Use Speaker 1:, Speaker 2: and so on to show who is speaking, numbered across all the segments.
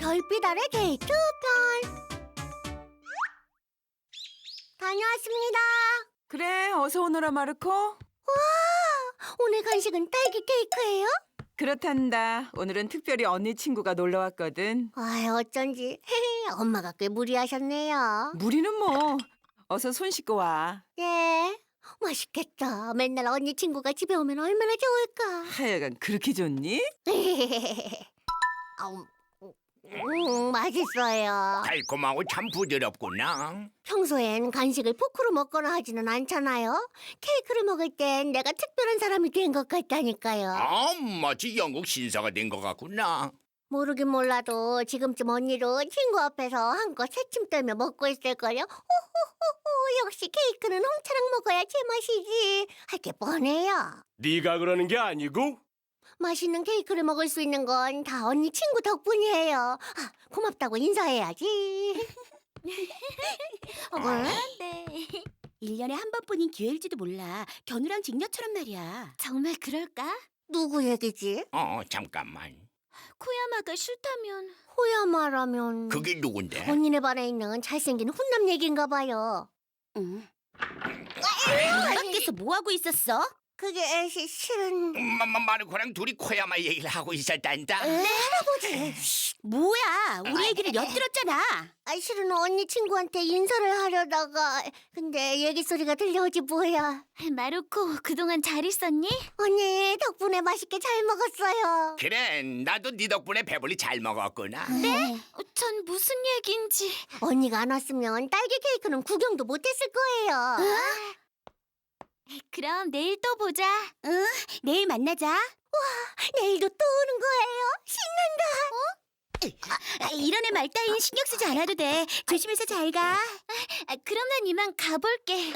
Speaker 1: 별빛 아래 데이트 편. 다녀왔습니다.
Speaker 2: 그래, 어서 오너라, 마르코.
Speaker 1: 오늘 간식은 딸기 케이크예요?
Speaker 2: 그렇단다. 오늘은 특별히 언니 친구가 놀러 왔거든.
Speaker 1: 어쩐지 엄마가 꽤 무리하셨네요.
Speaker 2: 무리는 뭐. 어서 손 씻고 와.
Speaker 1: 네, 맛있겠다. 맨날 언니 친구가 집에 오면 얼마나 좋을까.
Speaker 2: 하여간 그렇게 좋니?
Speaker 1: 맛있어요.
Speaker 3: 달콤하고 참 부드럽구나.
Speaker 1: 평소엔 간식을 포크로 먹거나 하지는 않잖아요. 케이크를 먹을 땐 내가 특별한 사람이 된 것 같다니까요.
Speaker 3: 마치 영국 신사가 된 것 같구나.
Speaker 1: 모르긴 몰라도 지금쯤 언니도 친구 앞에서 한껏 새침 떨며 먹고 있을걸요. 호호호호, 역시 케이크는 홍차랑 먹어야 제맛이지. 할 게 뻔해요.
Speaker 4: 네가 그러는 게 아니고
Speaker 1: 맛있는 케이크를 먹을 수 있는 건 다 언니 친구 덕분이에요. 고맙다고 인사해야지.
Speaker 5: 네. 1년에 한 번뿐인 기회일지도 몰라. 견우랑 직녀처럼 말이야. 정말 그럴까?
Speaker 1: 누구 얘기지?
Speaker 3: 잠깐만.
Speaker 5: 코야마가 싫다면...
Speaker 1: 호야마라면
Speaker 3: 그게 누군데?
Speaker 1: 언니네 반에 있는 잘생긴 훈남 얘기인가 봐요.
Speaker 5: 응. 밖에서 뭐하고 있었어?
Speaker 1: 그게 실은
Speaker 3: 마르코랑 둘이 코야마 얘기를 하고 있었단다.
Speaker 1: 할아버지.
Speaker 5: 뭐야, 우리 얘기를 엿들었잖아.
Speaker 1: 실은 언니 친구한테 인사를 하려다가 근데 얘기 소리가 들려오지 뭐야.
Speaker 5: 마루코, 그동안 잘 있었니?
Speaker 1: 언니 덕분에 맛있게 잘 먹었어요.
Speaker 3: 그래, 나도 네 덕분에 배불리 잘 먹었구나.
Speaker 5: 네? 전 무슨 얘기인지...
Speaker 1: 언니가 안 왔으면 딸기 케이크는 구경도 못했을 거예요.
Speaker 5: 그럼 내일 또 보자. 응, 내일 만나자.
Speaker 1: 내일도 또 오는 거예요. 신난다.
Speaker 5: 이런 애 말 따윈 신경 쓰지 않아도 돼. 조심해서 잘 가. 그럼 난 이만 가볼게.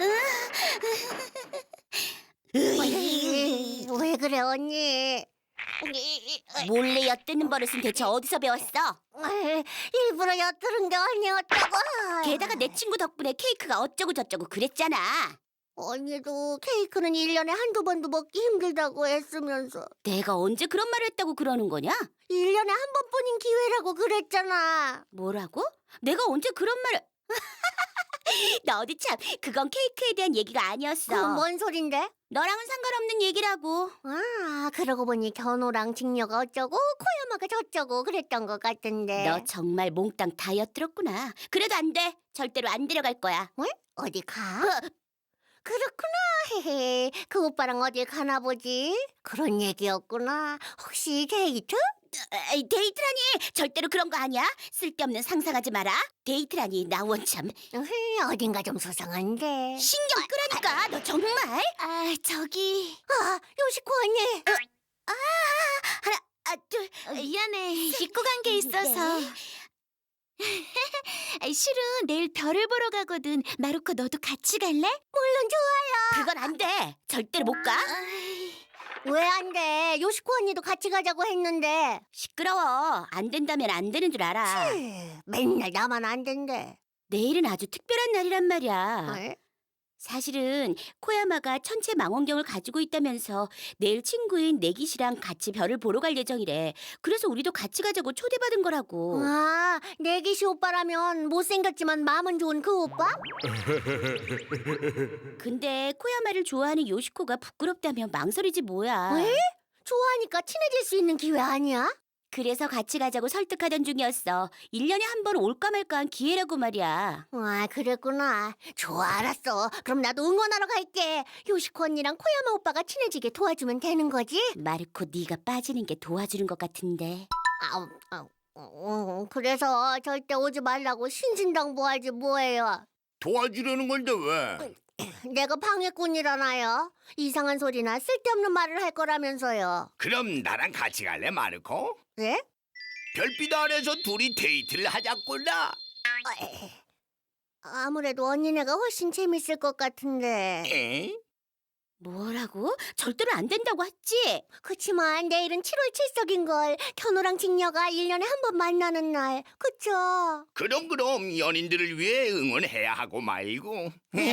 Speaker 1: 왜 그래 언니?
Speaker 5: 몰래 엿듣는 버릇은 대체 어디서 배웠어?
Speaker 1: 일부러 엿들은 게 아니었다고.
Speaker 5: 게다가 내 친구 덕분에 케이크가 어쩌고 저쩌고 그랬잖아.
Speaker 1: 언니도 케이크는 1년에 한두 번도 먹기 힘들다고 했으면서
Speaker 5: 내가 언제 그런 말을 했다고 그러는 거냐?
Speaker 1: 1년에 한 번뿐인 기회라고 그랬잖아.
Speaker 5: 뭐라고? 내가 언제 그런 말을... 너도 참, 그건 케이크에 대한 얘기가 아니었어.
Speaker 1: 그건 뭔 소린데?
Speaker 5: 너랑은 상관없는 얘기라고.
Speaker 1: 그러고 보니 견호랑 직녀가 어쩌고 코야마가 저쩌고 그랬던 것 같은데.
Speaker 5: 너 정말 몽땅 다 엿들었구나. 그래도 안 돼. 절대로 안 데려갈 거야.
Speaker 1: 왜? 어디 가? 그렇구나. 헤헤. 그 오빠랑 어딜 가나 보지? 그런 얘기였구나. 혹시 데이트?
Speaker 5: 데이트라니! 절대로 그런 거 아니야. 쓸데없는 상상하지 마라. 데이트라니, 나 원참.
Speaker 1: 어딘가 좀 수상한데.
Speaker 5: 신경 끄라니까, 너 정말. 저기...
Speaker 1: 요시코 언니.
Speaker 5: 하나, 둘... 미안해. 잊고 간 게 있어서. 실은 내일 별을 보러 가거든. 마루코, 너도 같이 갈래?
Speaker 1: 물론 좋아요.
Speaker 5: 그건 안 돼. 절대로 못 가.
Speaker 1: 왜 안 돼? 요시코 언니도 같이 가자고 했는데.
Speaker 5: 시끄러워. 안 된다면 안 되는 줄 알아.
Speaker 1: 맨날 나만 안 된대.
Speaker 5: 내일은 아주 특별한 날이란 말이야.
Speaker 1: 에?
Speaker 5: 사실은 코야마가 천체 망원경을 가지고 있다면서 내일 친구인 내기시랑 같이 별을 보러 갈 예정이래. 그래서 우리도 같이 가자고 초대받은 거라고.
Speaker 1: 내기시 오빠라면 못생겼지만 마음은 좋은 그 오빠?
Speaker 5: 근데 코야마를 좋아하는 요시코가 부끄럽다며 망설이지 뭐야.
Speaker 1: 왜? 좋아하니까 친해질 수 있는 기회 아니야?
Speaker 5: 그래서 같이 가자고 설득하던 중이었어. 1년에 한 번 올까 말까한 기회라고 말이야.
Speaker 1: 그랬구나. 좋아, 알았어. 그럼 나도 응원하러 갈게. 요시코 언니랑 코야마 오빠가 친해지게 도와주면 되는 거지?
Speaker 5: 마르코, 네가 빠지는 게 도와주는 것 같은데.
Speaker 1: 그래서 절대 오지 말라고 신신당부하지 뭐예요.
Speaker 3: 도와주려는 건데 왜?
Speaker 1: 내가 방해꾼이라나요? 이상한 소리나 쓸데없는 말을 할 거라면서요.
Speaker 3: 그럼 나랑 같이 갈래, 마르코?
Speaker 1: 네?
Speaker 3: 별빛 아래서 둘이 데이트를 하자꾸나.
Speaker 1: 아무래도 언니네가 훨씬 재밌을 것 같은데.
Speaker 3: 에?
Speaker 5: 뭐라고? 절대로 안 된다고 했지?
Speaker 1: 그치만 내일은 7월 7석인걸. 견호랑 직녀가 1년에 한 번 만나는 날. 그쵸?
Speaker 3: 그럼 연인들을 위해 응원해야 하고 말고.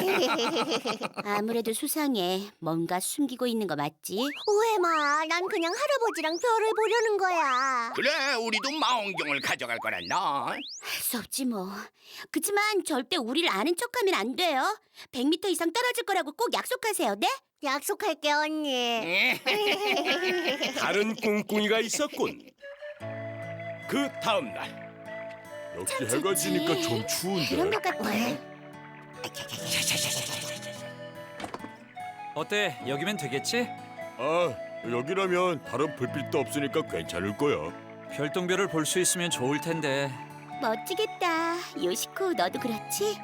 Speaker 5: 아무래도 수상해. 뭔가 숨기고 있는 거 맞지?
Speaker 1: 오해마, 난 그냥 할아버지랑 별을 보려는 거야.
Speaker 3: 그래, 우리도 망원경을 가져갈 거란다.
Speaker 5: 할 수 없지 뭐. 그치만 절대 우리를 아는 척하면 안 돼요. 100m 이상 떨어질 거라고 꼭 약속하세요, 네?
Speaker 1: 약속할게 언니.
Speaker 4: 다른 꿍꿍이가 있었군. 그 다음 날 역시 해가 지니까 좀
Speaker 5: 그런
Speaker 4: 추운데.
Speaker 5: 것 같아.
Speaker 6: 어때? 여기면 되겠지?
Speaker 4: 아, 여기라면 다른 불빛도 없으니까 괜찮을 거야.
Speaker 6: 별똥별을 볼 수 있으면 좋을 텐데.
Speaker 5: 멋지겠다. 요시코, 너도 그렇지?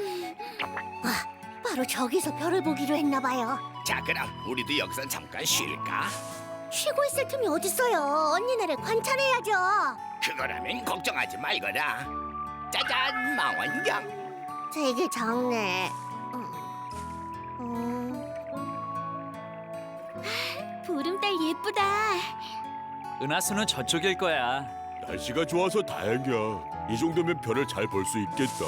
Speaker 1: 바로 저기서 별을 보기로 했나 봐요.
Speaker 3: 자, 그럼 우리도 여기서 잠깐 쉴까?
Speaker 1: 쉬고 있을 틈이 어딨어요. 언니네를 관찰해야죠.
Speaker 3: 그거라면 걱정하지 말거라. 짜잔, 망원경.
Speaker 1: 되게 작네.
Speaker 5: 보름달 예쁘다.
Speaker 6: 은하수는 저쪽일 거야.
Speaker 4: 날씨가 좋아서 다행이야. 이 정도면 별을 잘 볼 수 있겠다.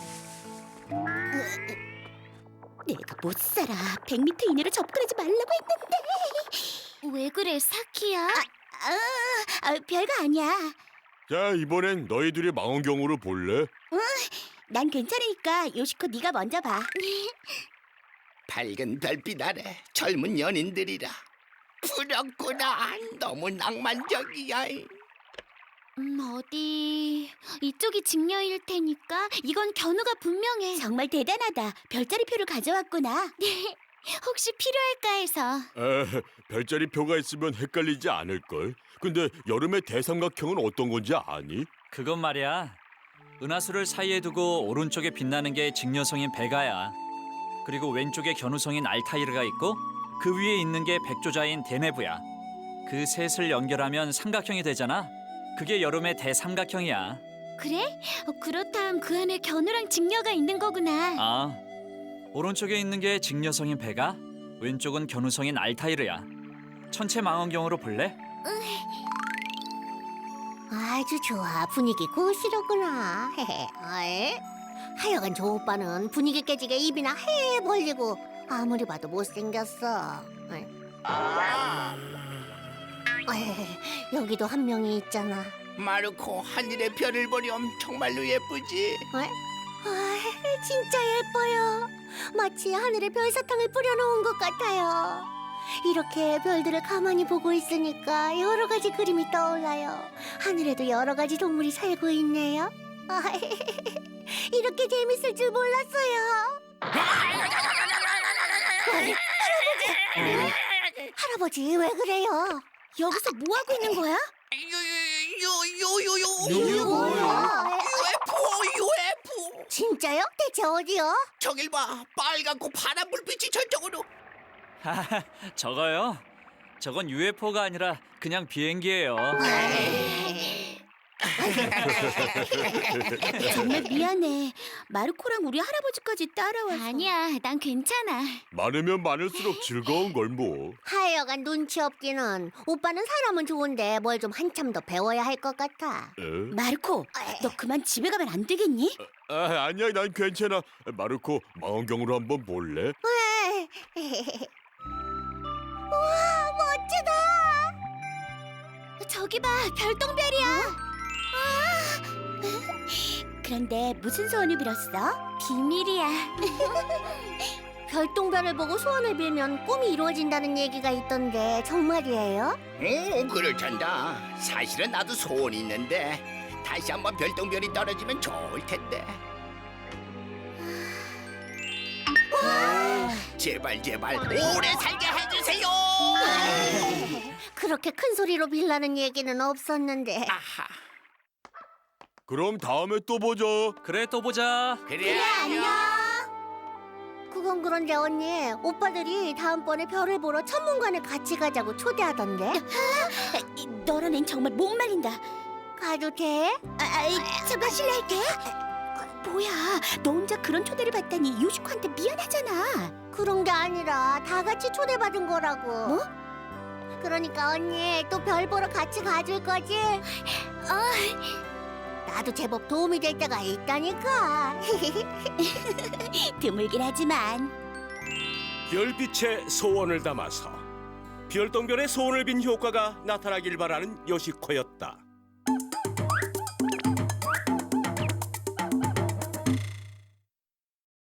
Speaker 5: 내가 못 살아. 100m 이내로 접근하지 말라고 했는데. 왜 그래, 사키야? 별거 아니야.
Speaker 4: 자, 이번엔 너희들이 망원경으로 볼래?
Speaker 5: 난 괜찮으니까 요시코 네가 먼저 봐.
Speaker 3: 밝은 별빛 아래 젊은 연인들이라. 부럽구나. 너무 낭만적이야.
Speaker 5: 어디 이쪽이 직녀일 테니까 이건 견우가 분명해. 정말 대단하다. 별자리표를 가져왔구나. 네. 혹시 필요할까 해서.
Speaker 4: 별자리 표가 있으면 헷갈리지 않을걸. 근데 여름의 대삼각형은 어떤 건지 아니?
Speaker 6: 그건 말이야. 은하수를 사이에 두고 오른쪽에 빛나는 게 직녀성인 베가야. 그리고 왼쪽에 견우성인 알타이르가 있고 그 위에 있는 게 백조자인 데네브야. 그 셋을 연결하면 삼각형이 되잖아. 그게 여름의 대삼각형이야.
Speaker 5: 그래? 그렇다면 그 안에 견우랑 직녀가 있는 거구나.
Speaker 6: 아, 오른쪽에 있는 게 직녀성인 베가, 왼쪽은 견우성인 알타이르야. 천체 망원경으로 볼래?
Speaker 1: 아주 좋아. 분위기 고시로구나. 하여간 저 오빠는 분위기 깨지게 입이나 해 벌리고 아무리 봐도 못생겼어. 여기도 한 명이 있잖아.
Speaker 3: 마르코, 하늘의 별을 보렴. 정말로 예쁘지?
Speaker 1: 진짜 예뻐요. 마치 하늘에 별사탕을 뿌려놓은 것 같아요. 이렇게 별들을 가만히 보고 있으니까 여러 가지 그림이 떠올라요. 하늘에도 여러 가지 동물이 살고 있네요. 이렇게 재밌을 줄 몰랐어요. 할아버지, 왜 그래요?
Speaker 5: 여기서 뭐 하고 있는 거야?
Speaker 1: 이게 뭐야?
Speaker 3: UFO.
Speaker 1: 진짜요? 대체 어디요?
Speaker 3: 저길 봐. 빨갛고 파란 불빛이 저쪽으로.
Speaker 6: 저거요? 저건 UFO가 아니라 그냥 비행기예요.
Speaker 5: 정말 미안해. 마르코랑 우리 할아버지까지 따라와서. 아니야, 난 괜찮아.
Speaker 4: 많으면 많을수록 즐거운 걸 뭐.
Speaker 1: 하여간 눈치 없기는. 오빠는 사람은 좋은데 뭘 좀 한참 더 배워야 할 것 같아.
Speaker 5: 마르코, 너 그만 집에 가면 안 되겠니?
Speaker 4: 아니야, 난 괜찮아. 마르코, 망원경으로 한번 볼래?
Speaker 1: 우와, 멋지다.
Speaker 5: 저기 봐, 별똥별이야. 그런데 무슨 소원을 빌었어? 비밀이야.
Speaker 1: 별똥별을 보고 소원을 빌면 꿈이 이루어진다는 얘기가 있던데 정말이에요?
Speaker 3: 오, 그렇단다. 사실은 나도 소원이 있는데 다시 한번 별똥별이 떨어지면 좋을 텐데. 제발 오래 살게 해주세요.
Speaker 1: 그렇게 큰 소리로 빌라는 얘기는 없었는데.
Speaker 3: 아하.
Speaker 4: 그럼 다음에 또 보자.
Speaker 6: 그래, 또 보자.
Speaker 3: 그래, 안녕.
Speaker 1: 그건 그런데 언니, 오빠들이 다음번에 별을 보러 천문관에 같이 가자고 초대하던데.
Speaker 5: 너랑 앤 정말 못 말린다.
Speaker 1: 가도 돼?
Speaker 5: 잠깐 실례할게. 뭐야, 너 혼자 그런 초대를 받다니 요시코한테 미안하잖아.
Speaker 1: 그런 게 아니라 다 같이 초대받은 거라고.
Speaker 5: 뭐?
Speaker 1: 그러니까 언니 또 별 보러 같이 가줄 거지? 나도 제법 도움이 될 때가 있다니까.
Speaker 5: 드물긴 하지만.
Speaker 4: 별빛에 소원을 담아서 별똥별의 소원을 빈 효과가 나타나길 바라는 요시코였다.